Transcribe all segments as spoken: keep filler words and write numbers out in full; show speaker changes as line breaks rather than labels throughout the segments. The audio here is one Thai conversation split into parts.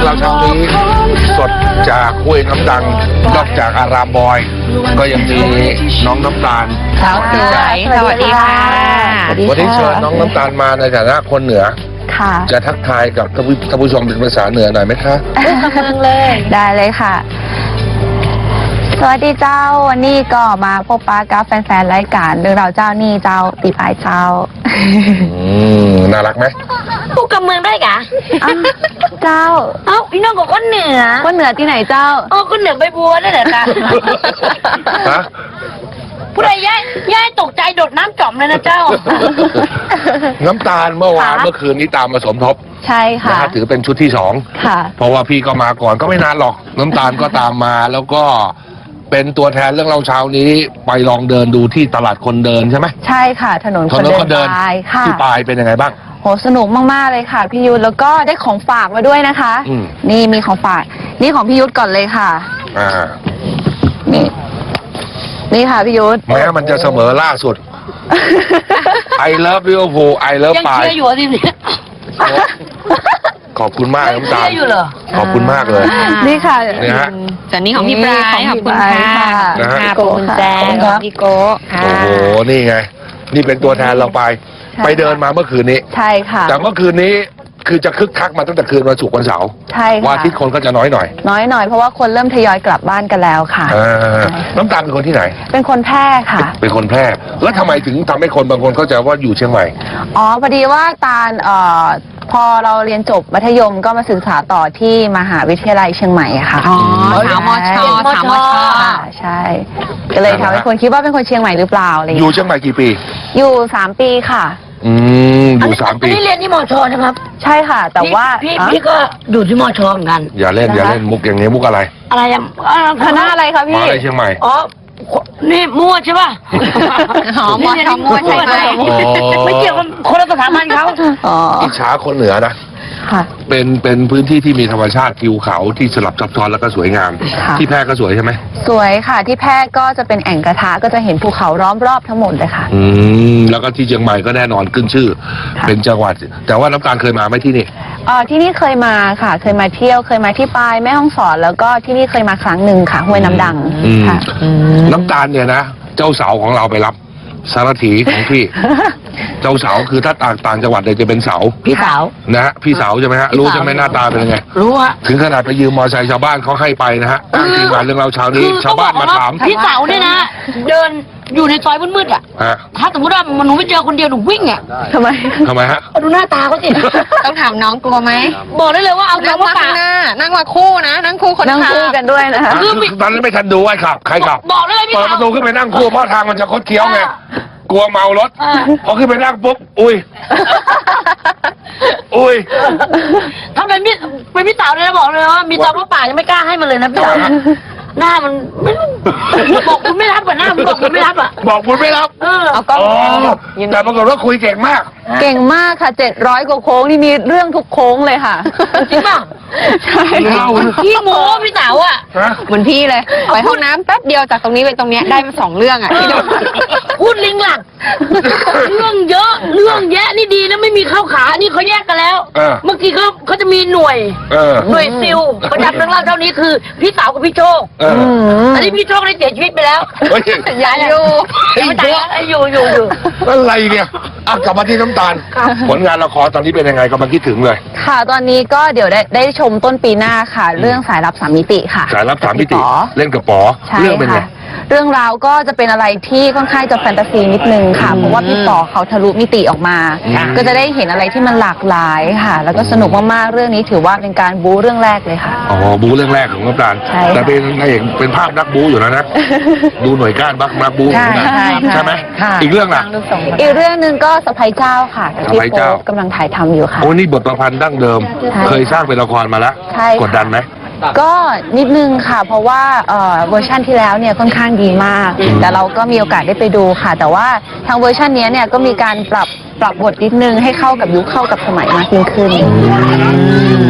เราเช้านี้สดจากห้วยน้ำดังนอกจากอารามบอย ก็ยังมีน้องน้ำตาล
สาวสวยสวัสดีค่ะ
วันนี้เชิญน้องน้ำตาลมาในฐานะคนเหนือ
ค่ะ
จะทักทายกับท่านผู้ชมเป็นภาษาเหนือหน่อยไหมคะ
เมืองเลยได้เลยค่ะ สวัสดีเจ้าวันนี้ก็มาพบปะกับแฟนๆรายการเรื่องราวเจ้านี่เจ้าตีปลายเจ้า
อืมน่ารักไหม
พูดกับเมืองได้กะ
อ้าวเจ้า
เอ้าพี่น้องกับคนเหนือ
คนเหนือที่ไหนเจ้า
อ๋อคนเหนือใบบัวนั่นแหละค่ะ
ฮะ
ผู้ใดย้ายย้ายตกใจโดดน้ำจอมเลยนะเจ้า
น้ำตาลเมื่อวาน
ค่ะ
เมื่อคืนนี้ตามมาสมทบ
ใช่
นะ
ค่ะ
ฮะถือเป็นชุดที่สอง
ค่ะ
เพราะว่าพี่ก็มาก่อนก็ไม่นานหรอก น้ำตาลก็ตามมาแล้วก็เป็นตัวแทนเรื่องเราเช้านี้ไปลองเดินดูที่ตลาดคนเดินใช่ไหม
ใช่ค่ะ ถนน
ถ
คน
นน
เดิ
คน นเดิน
ปลายค่ะ
ที่ปลายเป็นยังไงบ้าง
โหสนุกมากๆเลยค่ะพี่ยุทธแล้วก็ได้ของฝากมาด้วยนะคะ
อืม
นี่มีของฝากนี่ของพี่ยุทธก่อนเลยค่ะ
อ่า
นี่ นี่ค่ะพี่ยุทธ
แม้มันจะเสมอล่าสุด I love Liverpool I love
ยัง
ปลาย
เชียร์อยู่อ่ะสิเนี่ย
ขอบคุณมาก
ยัง
น้ำ
เชี
ตาย ล
ร์อยู่เหรอ
ขอบคุณมากเลย
นี่ค่ะ
นี่ฮะ
ส่วนนี้ของพี่ปลายขอบคุณค่ะ
นะฮะ
ขอบคุณแจงของพี่โก้ค่ะ
โอ้โห นี่ไง นี่เป็นตัวแทนเราไป
ใช่
ไปเดินมาเมื่อคืนนี้
ใช่ค่ะ
แต่เมื่อคืนนี้คือจะคึกคักมาตั้งแต่คืนวันศุกร์วันเสาร์
ใช่
วัน
ค่ะ
อาทิตย์คนก็จะน้อยหน่อย
น้อยหน่อยเพราะว่าคนเริ่มทยอยกลับบ้านกันแล้วค่ะ
อ่าน้ำตาลเป็นคนที่ไหน
เป็นคนแพร่ค่ะ
เป็นคนแพร่ แล้วทำไมถึงทำให้คนบางคนเข้าใจว่าอยู่เชียงใหม่
อ๋อพอดีว่าตาลเอ่อพอเราเรียนจบมัธยมก็มาศึกษาต่อที่มหาวิทยาลัยเชียงใหม่อะค่ะ
อ๋อถามมช
ใช่
ถามมช
ค่ะใช่ ก็เลยทำให้คนคิดว่าเป็นคนเชียงใหม่หรือเปล่าอะไรอย่าง
อยู่
เงี้ย
เชียงใหม่กี่ปี
อยู่สามปีค่ะ
อืม อยู่สาม
อั
ปี
นนี้เรียนที่มอชอนะครับ
ใช่ค่ะ แต่ว่า
พี่
อ๋อ
พี่ก็ดูที่มอชอเหมือนกัน
อย่าเล่นอย่าเล่นมุกอย่างนี้มุกอะไร
อะไรอ่ะอ่า
คณะอะไรคะ
ม
พี่
หาอะไรเชียงใหม่
อ๋อนี่มั่วใช่ป่ะ
อ๋อมชมั่วใช่ไหม
อ๋อ
ไม่เกี่ยวกับคนละสถาบันเขา
อ๋อ
อิจฉาคนเหนือนะ
ค่ะ
เป็นเป็นพื้นที่ที่มีธรรมชาติทิวเขาที่สลับซับซ้อนแล้วก็สวยงาม
ค่ะ
ที่แพร่ก็สวยใช่ไหม
สวยค่ะที่แพร่ก็จะเป็นแอ่งกระทะก็จะเห็นภูเขาล้อมรอบทั้งหมดเลยค่ะ
อืมแล้วก็ที่เชียงใหม่ก็แน่นอนขึ้นชื่อ
ค่ะ
เป็นจังหวัด แต่ว่าน้ำตาลเคยมาไหมที่นี่
เออที่นี่เคยมาค่ะ เคยมาเที่ยวเคยมาที่ปายแม่ฮ่องสอนแล้วก็ที่นี่เคยมาครั้งหนึ่งค่ะห้วยน้ำดัง
อืม
ค่ะ
น้ำตาลเนี่ยนะเจ้าสาวของเราไปรับสารถีของพี่ เจ้าสาวคือถ้าต่างต่างจังหวัดเนี่ยจะเป็นเสา
พี่สาว
นะฮะพี่สาวใช่ไหมฮะรู้ใช่ไหมหน้าตาเป็นยังไง
รู้ฮะ
ถึงขนาดไปยืมมอเตอร์ไซค์ชาวบ้านเขาให้ไปนะฮะอ้างทีมงานเรื่องเราเช้านี้ ชาวบ้านมาถาม
พี่สาวเนี่ยนะ เดินอยู่ในซอยมืดๆอ่ะ
ฮะ
ถ้าสมมติว่ามันหนูไม่เจอคนเดียวหนูวิ่งอ่ะ
ทำไม
ทำไมฮะ
เอาดูหน้าตาเขาสิ
ต้องถามน้องกลัวไหม
บอกได้เลยว่าเอา
นั่ง
คำว่า
มาข้า
ปาง ก
หน้า นั่งมาคู่นะ นั่งคู่คน
นั่ง
ขับ
คู่กันด้วยนะคะ
คือมี
ตอนนั้นไม่ทันดูไอ้ขับ ใครขับ
บอกได้เลยพี่
เปิด
สา
ป
ว
ระตูขึ้นไปนั่งคู่เพราะทางมันจะคดเคี้ยวไง กลัวเมารถ
อ่า
พอขึ้นไปนั่งปุ๊บ อุ้ย อุ้ย
ถ้าเป็นพี่เป็นพี่สาวเนี่ยนะบอกเลยว่ามีตอนว่าป่ากยังไม่กล้าให้มันเลยนะพี่สาวนะหน้ามันไม่รู้บอกคุณไม่รับอ่ะหน้ามันบอกคุณไม่รับอ่ะ
บอกคุณไม่รับ
เออ
เอากล้อง
อ๋อแต่ปรากฏว่าคุยเก่งมาก
เก่งมากค่ะเจ็ดร้อยกว่าโค้งนี่มีเรื่องทุกโค้งเลยค่ะ
จริงป่ะ
ใช่
เล่า
พี่โม้พี่สาวอ่ะ
ฮะ
เหมือนพี่เลย ไปห้องน้ำแป๊บเดียวจากตรงนี้ไปตรงเนี้ยได้มาสองเรื่องอ่ะพี่ดู
พูดลิงหลักเรื่องเยอะเรื่องแยะนี่ดีนะไม่มีเข้าขานี่เขาแยกกันแล้ว
เออ
เมื่อกี้เขาเขาจะมีหน่วย
เออ
หน่วยซิลประจำเรื่องเล่าเท่านี้คือพี่สาวกับพี่โชค
เออ
อืม
อันนี้พี่โชคได้เสียชีวิตไปแล้ว
เฮ้ย
อย่าอยู่
ยังไม่ตายนะอยู่อยู่อยู่
อะไรเนี่ยอ่ะกลับมาที่น้ำตาล ผลงานละครตอนนี้เป็นยังไงกำลังคิดถึงเลย
ค่ะตอนนี้ก็เดี๋ยวได้ได้ชมต้นปีหน้าค่ะ เรื่องสายลับสามมิติค่ะ
สายรับสามมิติ
กับพี่ป๋อ
เล่นกับป๋อ
ใช่
เรื่องเป็นไง
ค่ะ เรื่องราวก็จะเป็นอะไรที่ค่อนข้างจะแฟนตาซีนิดนึงค่ะ เพราะว่าพี่ป๋อเขาทะลุมิติออกมา
อืม
ก็จะได้เห็นอะไรที่มันหลากหลายค่ะ แล้วก็สนุกมากๆเรื่องนี้ถือว่าเป็นการบู๊เรื่องแรกเลยค่ะ
อ๋อบู๊เรื่องแรกของน้ำตาล
ใช่ค่ะ
แต่เป็นนายเอกเป็นภาพนักบู๊อยู่แล้วนะ ดูหน่วยก้านบักนักบู๊
ใช่
นะ
ใช่
ใช่ไหม
ค่ะ
อีกเรื่องล่ะ
อีกเรื่องหนึ่งก็สะพายเจ้าค่ะที่
สะใภ้เจ้า
โป๊ปกำลังถ่ายทำอยู่ค่ะ
โอ้นี่บทประพันธ์ดั้งเดิม
ใช่
เคยสร้างเป็นละครมาแล้ว
ใช่ค่ะ
กดดันไหม
ก็นิดนึงค่ะ เพราะว่าเอ่อเวอร์ชันที่แล้วเนี่ยค่อนข้างดีมาก แต่เราก็มีโอกาสได้ไปดูค่ะ แต่ว่าทางเวอร์ชันนี้เนี่ยก็มีการปรับปรับบทนิดนึงให้เข้ากับยุคเข้ากับสมัยมากยิ่งขึ้น
จ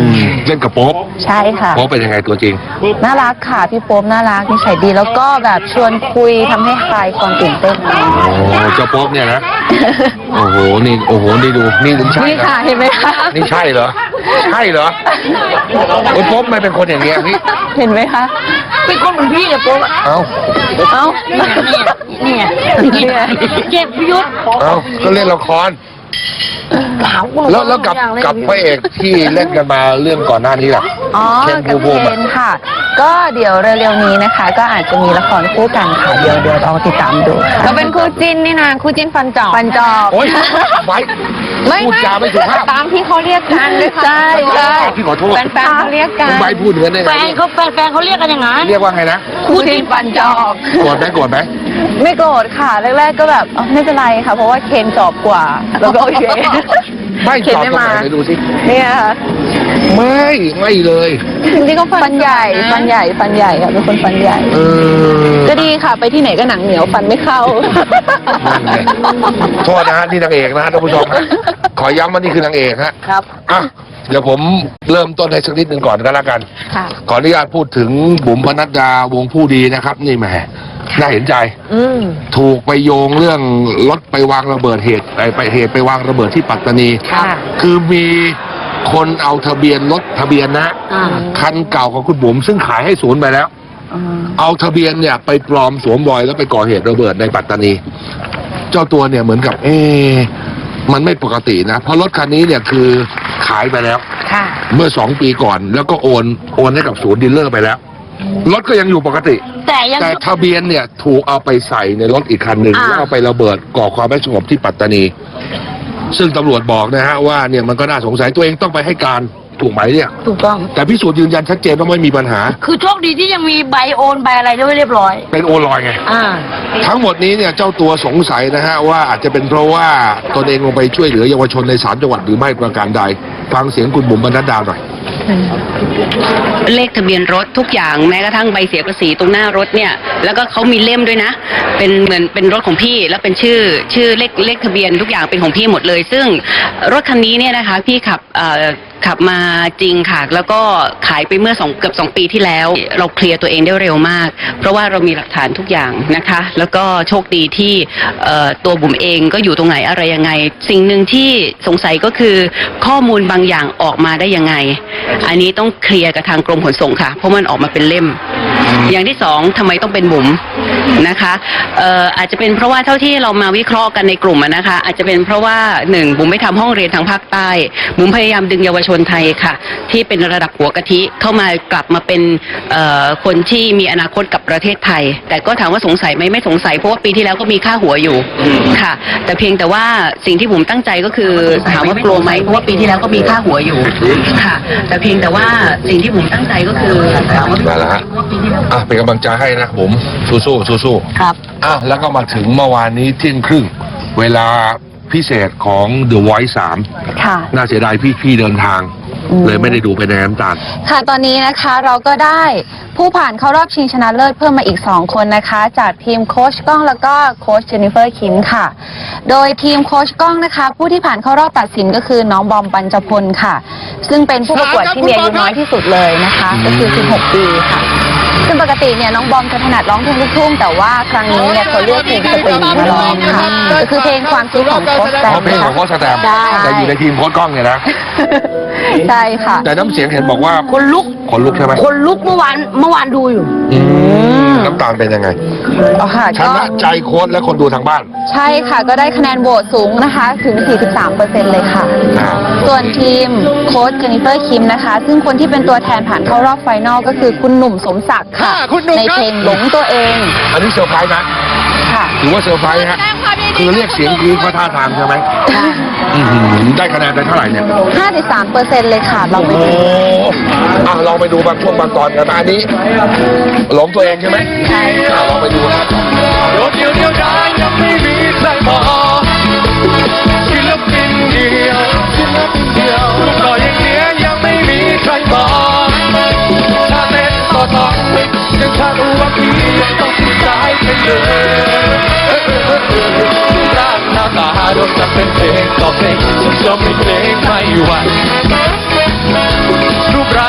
เล่นกับโป๊ป
ใช่ค่ะ
โป๊ปเป็นยังไงตัวจริง
น่ารักค่ะพี่โป๊ปน่ารักนิสัยดีแล้วก็แบบชวนคุยทำให้คลายความตื่นเต้น
โอ้เจ้าโป๊ปเนี่ยนะ โอ้โห นี่ โอ้โห นี่ดู นี่ถึงใช่
นี่
เหรอ
ค่ะเห็นไหมคะ
นี่ใช่เหรอ ใช่เหรอโอ้โป๊ปไม่เป็นคนอย่างเงี้ยพี่
เห็นไหมคะ
เป็นคนเหมือนพี่กับโป๊ะ
เอ้า
เอ้า
เนี่ยเนี่ยเจ็บพิยุทธ
เอ้า ก็เล่นละคร
ถามกู
แล้วแล้วกับกับพระเอกที่เล่นกันมาเรื่องก่อนหน้านี้ล่ะ
อ๋อ
เคน
กับ
ภูมิ
เคนค่ะ ก็เดี๋ยวเร็วๆนี้นะคะ ก็อาจจะมีละครคู่กันค่ะเดี๋ยวเดี๋ยวลองติดตามดู
เราเป็นคู่จิ้นนี่นะคู่จิ้นฟันจอบ
ฟันจอบ
โอ๊ยไว้
ไม่
พูดจาไม่สุภาพ
ตามที่เขาเรียกกันด้วยค่ะ
ใช่ใช่
พี่ขอโทษ
แฟนๆเขาเรียกกัน
ไว้พูดเหมือนได้
แฟ
ไง
นเขาแฟนแฟนเขาเรียกกันอย่างนั้น
เรียกว่าไงนะ
คู่จิ้นฟันจอบ
โกรธไหมโกรธไหม
ไม่โกรธค่ะแรกๆก็แบบอ๋อไม่เป็นไรค่ะ เพราะว่าเคนจอบกว่า แล้วก็โอเค
ไม่
เคน
ตอบ
ไม่
ตรง
มา
ไหนไหนดูสิ
เนี่ยค่ะ
ไม่ ไม่เลย
จริงๆก็ฟันใหญ่ฟันใหญ่ฟันใหญ่ค่ะเป็นคนฟันใหญ่
เออ
ก็ดีค่ะ ไปที่ไหนก็หนังเหนียวฟันไม่เข้า
นั่นไงโทษนะฮะนี่นางเอกนะฮะท่านผู้ชมฮะขอย้ำว่านี่คือนางเอกฮะ
ครับ
อ่ะเดี๋ยวผมเริ่มต้นให้สักนิดหนึ่งก่อนก็แล้วกัน
ค่ะ
ขออนุญาตพูดถึงบุ๋มปนัดดาวงผู้ดีนะครับ นี่แหมน่าเห็นใจ
อืม
ถูกไปโยงเรื่องรถไปวางระเบิดเหตุไปไปเหตุไปวางระเบิดที่ปัตตานี
ค่ะ
คือมีคนเอาทะเบียนรถทะเบียนนะ
อ่า
คันเก่าของคุณบุ๋มซึ่งขายให้ศูนย์ไปแล้ว
อืม
เอาทะเบียนเนี่ยไปปลอมสวมรอยแล้วไปก่อเหตุระเบิดในปัตตานี เจ้าตัวเนี่ยเหมือนกับ เอ๊ะมันไม่ปกตินะ เพราะรถคันนี้เนี่ยคือขายไปแล้ว
ค่ะ
เมื่อสองปีก่อน แล้วก็โอนโอนให้กับศูนย์ดีลเลอร์ไปแล้ว รถก็ยังอยู่ปกติ
แต่ยัง
แต่ทะเบียนเนี่ยถูกเอาไปใส่ในรถอีกคันหนึ่ง
อ่า
แล้วเอาไประเบิดก่อความไม่สงบที่ปัตตานี ซึ่งตำรวจบอกนะฮะว่าเนี่ยมันก็น่าสงสัยตัวเองต้องไปให้การถูกไหมเนี่ย
ถูกต้อง
แต่พิสูจน์ยืนยันชัดเจนว่าไม่มีปัญหา
คือโชคดีที่ยังมีใบโอนใบอะไรด้วยเรียบร้อย
เป็นโอลอยไง
อ่า
ทั้งหมดนี้เนี่ยเจ้าตัวสงสัยนะฮะว่าอาจจะเป็นเพราะว่าตนเองลงไปช่วยเหลือเยาวชนในสามจังหวัดหรือไม่ประการใด ฟังเสียงคุณบุ๋มบรรณดาหน่อย
เลขทะเบียนรถทุกอย่างแม้กระทั่งใบเสียภาษีตรงหน้ารถเนี่ยแล้วก็เขามีเล่มด้วยนะ เป็นเหมือนเป็นรถของพี่แล้วเป็นชื่อชื่อเลขเลขทะเบียนทุกอย่างเป็นของพี่หมดเลย ซึ่งรถคันนี้เนี่ยนะคะพี่ขับเอ่อขับมาจริงค่ะ แล้วก็ขายไปเมื่อสองเกือบสองปีที่แล้ว เราเคลียร์ตัวเองได้เร็วมาก เพราะว่าเรามีหลักฐานทุกอย่างนะคะ แล้วก็โชคดีที่เอ่อตัวบุ๋มเองก็อยู่ตรงไหนอะไรยังไง สิ่งหนึ่งที่สงสัยก็คือข้อมูลบางอย่างออกมาได้ยังไง อันนี้ต้องเคลียร์กับทางกรมขนส่งค่ะ เพราะมันออกมาเป็นเล่ม อย่างที่สองทำไมต้องเป็นบุ๋มนะคะเอ่ออาจจะเป็นเพราะว่าเท่าที่เรามาวิเคราะห์กันในกลุ่มอะนะคะ อาจจะเป็นเพราะว่าหนึ่งบุ๋มไม่ทำห้องเรียนทางภาคใต้บุ๋มพยายามดึงเยาวชนไทยค่ะ ที่เป็นระดับหัวกะทิเข้ามากลับมาเป็นเอ่อคนที่มีอนาคตกับประเทศไทย แต่ก็ถามว่าสงสัยไหมไม่สงสัยเพราะว่าปีที่แล้วก็มีค่าหัวอยู่ค่ะ แต่เพียงแต่ว่าสิ่งที่บุ๋มตั้งใจก็คือถามว่ากลัวไหมเพราะว่าปีที่แล้วก็มีค่าหัวอยู่ค่ะ แต่เพียงแต่ว่าสิ่งที่บุ๋มตั้งใจก็คือถามว่า
นั่นแหละฮะอ่ะเป็นกำลังใจให้นะผมสู้ๆสู้ๆ
ครับ
อ่ะแล้วก็มาถึงเมื่อวานนี้เที่ยงครึ่ง เวลาพิเศษของ The Voice สาม
ค่ะ
น่าเสียดายพี่พี่เดินทาง
อืม
เลยไม่ได้ดูไปในน้ำตาล
ค่ะตอนนี้นะคะเราก็ได้ผู้ผ่านเข้ารอบชิงชนะเลิศเพิ่มมาอีก สอง คนนะคะ จากทีมโค้ชก้องแล้วก็โค้ชเจนนิเฟอร์คิมค่ะ โดยทีมโค้ชก้องนะคะ ผู้ที่ผ่านเข้ารอบตัดสินก็คือน้องบอมปัญจพลค่ะ ซึ่งเป็นผู้ประกวดที่มีอายุน้อยที่สุดเลยนะคะ ก็คือ สิบหก ปีค่ะ ซึ่งปกติเนี่ยน้องบอมจะถนัดร้องเพลงลูกทุ่งแต่ว่าครั้งนี้เนี่ยเขาเลือกเพลงสตริงมาร้องค่ะก็คือเพลงความคิดของโค้ชแต
เพ
ม
ราะเพลงของโค้ชสแตมป์
ได้
แต่อยู่ในทีมโค้ชกล้องเนี่ยนะ
ใช่ค่ะ
แต่น้ำเสียงเห็นบอกว่า
คนลุก
คนลุกใช่ไหม
คนลุกเมื่อวานเมื่อวานดูอยู่
อืมน้ำตาลเป็นยังไง
อ๋อค่ะ
ช
ก็
นะใจโค้ชและคนดูทางบ้าน
ใช่ค่ะ ก็ได้คะแนนโหวตสูงนะคะ ถึง สี่สิบสามเปอร์เซ็นต์ เลยค่ะ
อ่า
ส่วนทีมโค้ชเจนนิเฟอร์คิมนะคะ ซึ่งคนที่เป็นตัวแทนผ่านเข้ารอบไฟนอลก็คือคุณหนุ่มสมศักดิ์ค่ะ ในเพลงหลงตัวเอง
อันนี้เซอร์ไพรส์นะ
ค่ะ
ถือว่าเซอร์ไพรส์ฮะคือเรียกเสียงกรี๊ดเพราะท่าทางใช่ไหมอื้อหือได้คะแนนไปเท่าไหร่เนี่ย
ห้าสิบสามเปอร์เซ็นต์ เลยค่ะ เราไป
โอ้
ดู
อ่ะลองไปดูบางช่วงบางตอนกันนะอันนี้หลงตัวเองใช่ไหม
ใช่
อ่ะลองไปดูครับ
โดดเดียวเดียวดายยังไม่มีใครพอศิลปินเดียวศิลปินเดียวรูปหล่ออย่างเนี้ยยังไม่มีใครบอกถ้าเต้นต่อต่อยังถ้ารู้ว่าพี่ยังต้องติดใจไปเลยร่างหน้าตาโดนจับเป็นเพลงต่อเพลงสุดยอดเป็นเพลงไม่หวั่นรูปร่า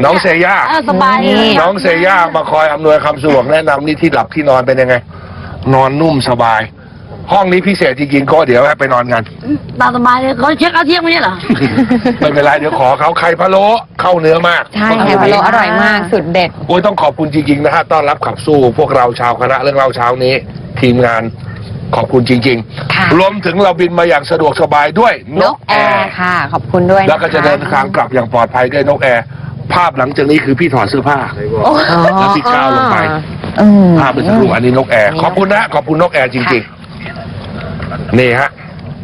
น้องเซย่า
เออสบายเลย
น้องเซย่ามาคอยอำนวยความสะดวกแนะนำนี่ที่หลับที่นอนเป็นยังไง นอนนุ่มสบาย ห้องนี้พิเศษจริงๆก็เดี๋ยวให้ไปนอนกัน
ตามสบายเลยเขาเช็คเอาเที่ยงไม่ใช่เหรอ
ไม่เป็นไรเดี๋ยวขอเขาไข่พะโล้เข้าเนื้อมาก
ใช่ไข่พะโล้อร่อยมากสุดเด็ด
โอ้ยต้องขอบคุณจริงๆนะฮะต้อนรับขับสู้พวกเราชาวคณะเรื่องเล่าเช้านี้ ทีมงานขอบคุณจริง
ค่ะ
ๆรวมถึงเราบินมาอย่างสะดวกสบายด้วยน
น
ก
ก
แอ
แอ
ร์
ร์ค่ะ ขอบคุณด้วยนค
แล้วก็จะเดินทางกลับอย่างปลอดภัยด้วยนกแอร์ภาพหลังจากนี้คือพี่ถอดเสื้อผ้า
โอ้
แล้วพี่ก้าวลงไป
อืม
ภาพเป็นสักครู่อันนี้นกแอร์ขอบคุณนะขอบคุณนกแอร์จริงๆนี่ฮะ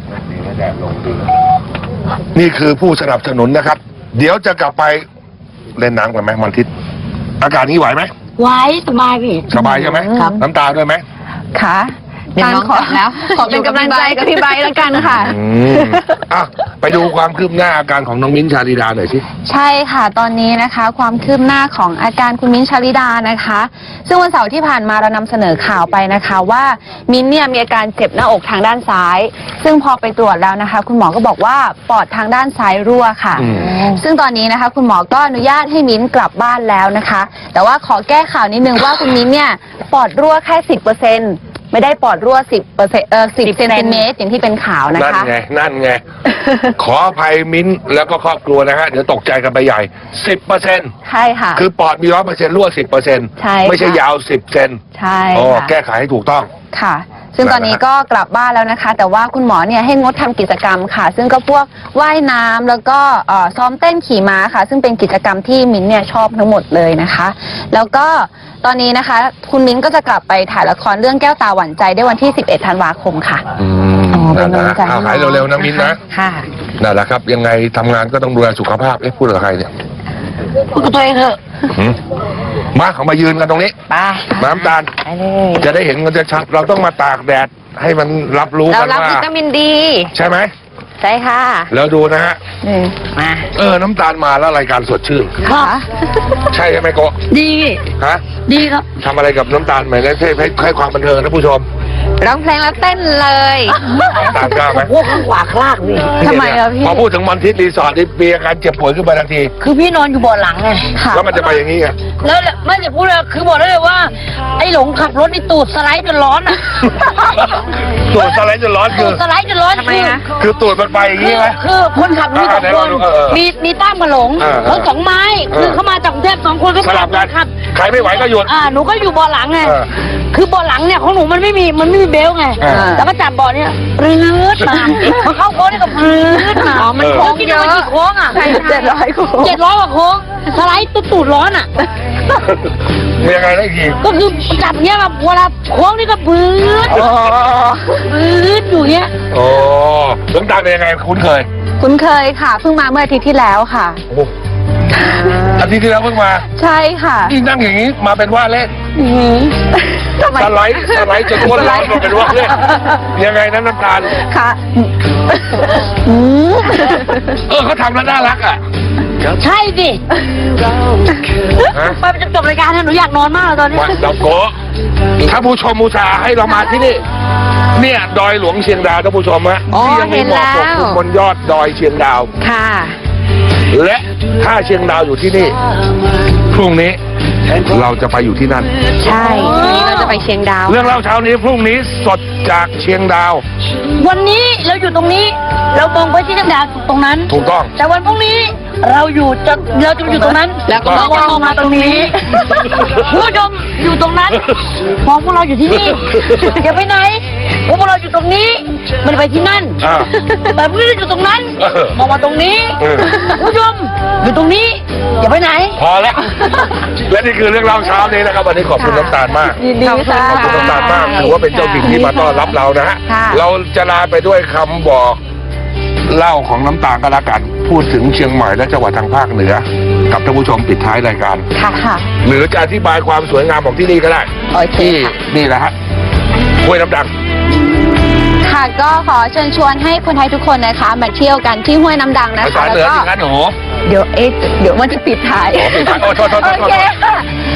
นี่คือผู้สนับสนุนนะครับ เดี๋ยวจะกลับไปเล่นน้ำกันไหมมันทิศอากาศนี้ไหวไหม
ไว้สบายพี่
สบายใช่ไหม
ครับ
น้ำตาด้วยไหม
ค่ะ
เดี๋ยวน้อง
ขอก
ลับแล้ว
ขอเป็นกำลังใจกับพี่ไบร์ทแล้วกันค่ะ
อืมอ่ะไปดูความคืบหน้าอาการของน้องมิ้นท์ชาลีดาหน่อยสิ
ใช่ค่ะตอนนี้นะคะ ความคืบหน้าของอาการคุณมิ้นท์ชาลิดานะคะ ซึ่งวันเสาร์ที่ผ่านมาเรานำเสนอข่าวไปนะคะ ว่ามิ้นท์เนี่ยมีอาการเจ็บหน้าอกทางด้านซ้าย ซึ่งพอไปตรวจแล้วนะคะ คุณหมอก็บอกว่าปอดทางด้านซ้ายรั่วค่ะ
อืม
ซึ่งตอนนี้นะคะ คุณหมอก็อนุญาตให้มิ้นท์กลับบ้านแล้วนะคะ แต่ว่าขอแก้ข่าวนิดนึงว่าคุณมิ้นท์เนี่ยปอดรั่วแค่สิบเปอร์เซ็นต์ไม่ได้ปอดรั่วสิบเปอร์เซ็นต์เออสิบเซนติเมตรอย่างที่เป็นข่าวนะ
นั่น
คะ
ไงนั่นไง ขออภัยมิ้นท์แล้วก็ครอบครัวนะฮะเดี๋ยวตกใจกันไปใหญ่สิบเปอร์เซ็นต์
ใช่ค่ะ
คือปอดมีร้อยเปอร์เซ็นต์รั่วสิบเปอร์เซ็นต์
ใช่
ไม่ใช่
ค่ะ
ยาวสิบเซน
ใช่
อ๋อ
ค่ะ
แก้ไขให้ถูกต้อง
ค่ะ ซึ่งตอนนี้ก็กลับบ้านแล้วนะคะ แต่ว่าคุณหมอเนี่ยให้งดทำกิจกรรมค่ะ ซึ่งก็พวกว่ายน้ำแล้วก็เอ่อซ้อมเต้นขี่ม้าค่ะ ซึ่งเป็นกิจกรรมที่มิ้นท์เนี่ยชอบทั้งหมดเลยนะคะ แล้วก็ตอนนี้นะคะ คุณมิ้นท์ก็จะกลับไปถ่ายละครเรื่องแก้วตาหวั่นใจได้วันที่สิบเอ็ดธันวาคมค่ะ
อืม
อ๋อเป็นกำลังใจ
เอาหายเร็วๆนะมิ้นท์นะ
ค่ะ
นั่นแหละครับ ยังไงทำงานก็ต้องดูแลสุขภาพเอ๊ะพูดกับใครเนี่ย
พูดกับตัวเองเถอะ
หืมมาเขามายืนกันตรงนี้
ไป
น้ำตาล
ไปเลย
จะได้เห็นกันจะชัดเราต้องมาตากแดดให้มันรับรู้
เรา
กัน
รับ
ว่า
วิตามินดี
ใช่ไหม
ใช่ค่ะ
แล้วดูนะฮะ
นี่
มา
เออ น้ำตาลมาแล้วรายการสดชื่น
ครับ
ใช่ใช่ไหมโกะ
ดีพี่
ฮะ
ดีครับ
ทำอะไรกับน้ำตาลไหมให้ให้ให้ความบันเทิงนะผู้ชม
ร้องเพลงแล้วเต้นเลย
น้ำตาลกล้าไหม
พวกข้างขวาคลากพี่
ทำไมอะพี่
พอพูดถึงมันทิศรีสอร์ทนี่มีอาการเจ็บป่วยขึ้นมาทันที
คือพี่นอนอยู่เบาะหลังไง
ค่ะ
แล้วมันจะไปอย่างนี้ไง
แล้วไม่จะพูดเลยคือบอกได้เลยว่า ไอ้หลงขับรถนี่ตูดสไลด์จนร้อนอ่ะ
ตูดสไลด์จะร้อนคื
ตู
อ
ดสไลด์จนร้อน
ทำไมคะ
คือตูดมันไปอย่าง
คื
นี้
อ
ไหม
คือคนขับมีสอง
อ่า
คน
เออเออ
มีมีตั้มกับหลง
เออเออ
เขาสองไม้
เออ
คือเขามาจากกรุงเทพสองคนก็
สลับกัน
ขับ
ใครไม่ไหวก็หยุด
อ่าหนูก็อยู่เบาะหลังไง
เออ
คือเบาะหลังเนี่ยของหนูมันไม่มีมันไม่มีเบลต์ไง
เออ
แล้วก็จับเบาะเนี่ยปรื้ดมาพอเข้าโค้งนี่ก็ปรื้ดมา
อ๋อมันโค้ง
คิด
เย
ดู
อะ
ว่ากี่โค้งอ่ะ
เจ็ดร้อยโค้ง
เจ็ดร้อยกว่าโค้งสไลด์ตูดตูดร้อนอ่ะ
มียังไงได้อีกที
ก็คือจับเนี้ยแบบเวลาโค้งนี่ก็ปรื้ดปรื้ดอยู่เนี้ย
โอ้น้ำตาลเป็นยังไงคุ้นเคย
คุ้นเคยค่ะ เพิ่งมาเมื่ออาทิตย์ที่แล้วค่ะ
โอ้อาทิตย์ที่แล้วเพิ่งมา
ใช่ค่ะ
นี่นั่งอย่างนี้มาเป็นว่าเล่น
ทำไม
สไลด์สไลด์จนตัวร้อนมาเป็นว่าเล่นยังไงนั้นน้ำตาล
ค่ะอืม
เออเขาทำแล้วน่ารักอ่ะ
ใช่สิ
ฮะ
ไปจนจบรายการนะหนูอยากนอนมากเลยตอนนี้
มาเราโกะถ้าผู้ชมมูชาให้เรามาที่นี่ เนี่ยดอยหลวงเชียงดาวท่านผู้ชมฮะ
อ๋อ
ที่ยังมีหมอกปกคลุมบนยอดดอยเชียงดาว
ค่ะ
และถ้าเชียงดาวอยู่ที่นี่ พรุ่งนี้เราจะไปอยู่ที่นั่น
ใช่วันนี้เราจะไปเชียงดาว
เรื่องเล่าเช้านี้พรุ่งนี้สดจากเชียงดาว
วันนี้เราอยู่ตรงนี้ เรามองไปที่จังหวัดตรงนั้น
ถูกต้อง
แต่วันพรุ่งนี้เราอยู่จะเราจะอยู่ตรงนั้น
แล้วก็
เราจะมองมาตรงนี้ผู้ชมอยู่ตรงนั้นมองพวกเราอยู่ที่นี่อย่าไปไหนพวกเราอยู่ตรงนี้ไมันไปที่นั่น
อ่า
แต่พวกเราอยู่ตรงนั้น
เออ
มองมาตรงนี้
เออ
ผู้ชมอยู่ตรงนี้อย่าไปไหน
พอแล้ว และนี่คือเรื่องเล่าเช้านี้นะครับวันนี้ขอบคุณน้ำตาลมาก
ยินดีค่ะ
ขอบคุณน้ำตาลมากถือว่าเป็นเจ้าถิ่นที่มาต้อนรับเรานะฮะ
ค่ะ
เราจะลาไปด้วยคำบอกเล่าของน้ำตาลก็แล้วกัน พูดถึงเชียงใหม่และจังหวัดทางภาคเหนือ กับท่านผู้ชมปิดท้ายรายการ
ค่ะค่ะ
หรือจะอธิบายความสวยงามของที่นี่ก็ได้
โอเค
ที่
ค่ะ
นี่แหละฮะห้วยน้ำดัง
ค่ะก็ขอเชิญชวนให้คนไทยทุกคนนะคะมาเที่ยวกันที่ห้วยน้ำดังนะ
ภา
คะ
ษาเหนือ
แล้ว
สิ
ก็
ครับหนู
เดี๋ยวเอ๊ะเดี๋ยวมันจะปิดท้าย
อ๋อปิดท้ายโอ้โทษโทษโทษ
โอเคค่ะขอ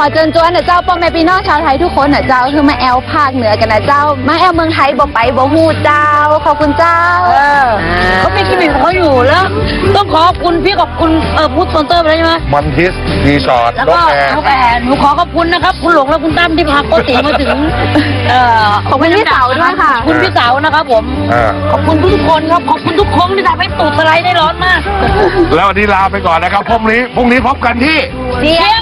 อเจิญจวนนะเจ้าพ่อแม่พี่น้องชาวไทยทุกคนนะเจ้าคือมาแอลภาคเหนือกันนะเจ้ามาแอลเมืองไทยบ่ไปบ่ฮู้เจ้าขอบคุณเจ้า
เออเขามีคลินิกของเขาอยู่แล้ว ต้องขอบคุณพี่ขอบคุณเออพูดสปอนเซอร์ไปแล้วใช่ไหม
มันทิสรีสอร์ท
แล้ว
น
ก็
กแอร์
นกแอร์หนูขอขอบคุณนะครับ คุณหลงและคุณตั้มที่พาโกติมาถึงเอ่อ
ขอบคุณพี่เต๋าด้วยค่ะ
ขอบคุณพี่เต๋านะครับผม
อ่า
ขอบคุณทุกๆคนครับขอบคุณทุกคนที่ทำให้ตูดสไลด์ได้ร้อนมาก
แล้ววันนี้ลาไปก่อนนะครับพรุ่งนี้พรุ่งนี้พบกันที่
เสียง